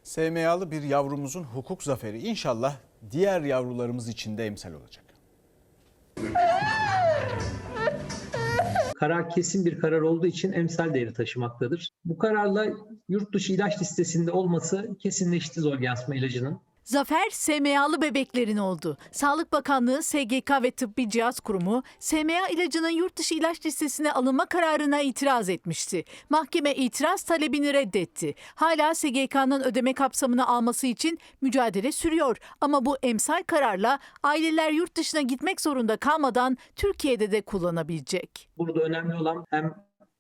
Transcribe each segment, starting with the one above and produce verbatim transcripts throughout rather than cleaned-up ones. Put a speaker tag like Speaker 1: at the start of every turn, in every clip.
Speaker 1: S M A'lı bir yavrumuzun hukuk zaferi inşallah diğer yavrularımız için de emsal olacak.
Speaker 2: Karar kesin bir karar olduğu için emsal değeri taşımaktadır. Bu kararla yurt dışı ilaç listesinde olması kesinleşti Zolgensma ilacının.
Speaker 3: Zafer S M A'lı bebeklerin oldu. Sağlık Bakanlığı, S G K ve Tıbbi Cihaz Kurumu S M A ilacının yurt dışı ilaç listesine alınma kararına itiraz etmişti. Mahkeme itiraz talebini reddetti. Hala S G K'nın ödeme kapsamını alması için mücadele sürüyor. Ama bu emsal kararla aileler yurt dışına gitmek zorunda kalmadan Türkiye'de de kullanabilecek.
Speaker 2: Burada önemli olan hem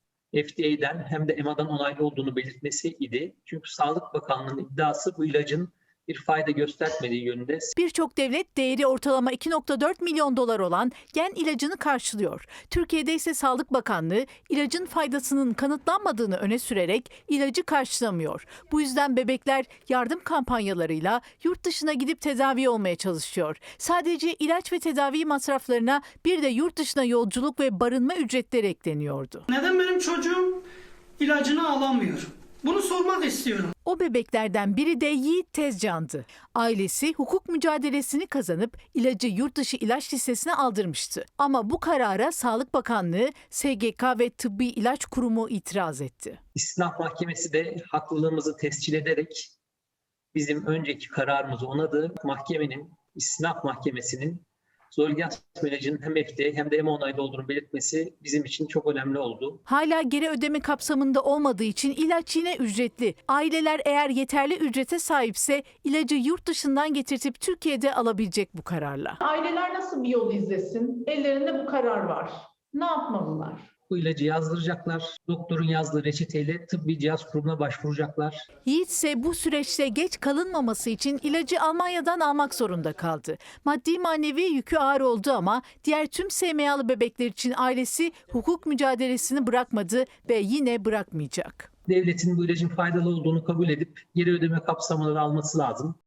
Speaker 2: F D A'den hem de E M A'dan onaylı olduğunu belirtmesi idi. Çünkü Sağlık Bakanlığı'nın iddiası bu ilacın bir fayda göstermediği yönünde.
Speaker 3: Birçok devlet değeri ortalama iki nokta dört milyon dolar olan gen ilacını karşılıyor. Türkiye'de ise Sağlık Bakanlığı ilacın faydasının kanıtlanmadığını öne sürerek ilacı karşılamıyor. Bu yüzden bebekler yardım kampanyalarıyla yurt dışına gidip tedavi olmaya çalışıyor. Sadece ilaç ve tedavi masraflarına bir de yurt dışına yolculuk ve barınma ücretleri ekleniyordu.
Speaker 4: Neden benim çocuğum ilacını alamıyor? Bunu sormak istiyorum.
Speaker 3: O bebeklerden biri de Yiğit Tezcan'dı. Ailesi hukuk mücadelesini kazanıp ilacı yurt dışı ilaç listesine aldırmıştı. Ama bu karara Sağlık Bakanlığı, S G K ve Tıbbi İlaç Kurumu itiraz etti.
Speaker 2: İstinaf Mahkemesi de haklılığımızı tescil ederek bizim önceki kararımızı onadı. Mahkemenin, İstinaf Mahkemesi'nin Zolgensma ilacının hem F D A hem de E M A onaylı olduğunu belirtmesi bizim için çok önemli oldu.
Speaker 3: Hala geri ödeme kapsamında olmadığı için ilaç yine ücretli. Aileler eğer yeterli ücrete sahipse ilacı yurt dışından getirtip Türkiye'de alabilecek bu kararla.
Speaker 5: Aileler nasıl bir yol izlesin? Ellerinde bu karar var. Ne yapmalılar?
Speaker 2: Bu ilacı yazdıracaklar. Doktorun yazdığı reçeteyle Tıbbi Cihaz Kurumu'na başvuracaklar.
Speaker 3: Yiğit ise bu süreçte geç kalınmaması için ilacı Almanya'dan almak zorunda kaldı. Maddi manevi yükü ağır oldu ama diğer tüm S M A'lı bebekler için ailesi hukuk mücadelesini bırakmadı ve yine bırakmayacak.
Speaker 2: Devletin bu ilacın faydalı olduğunu kabul edip geri ödeme kapsamını alması lazım.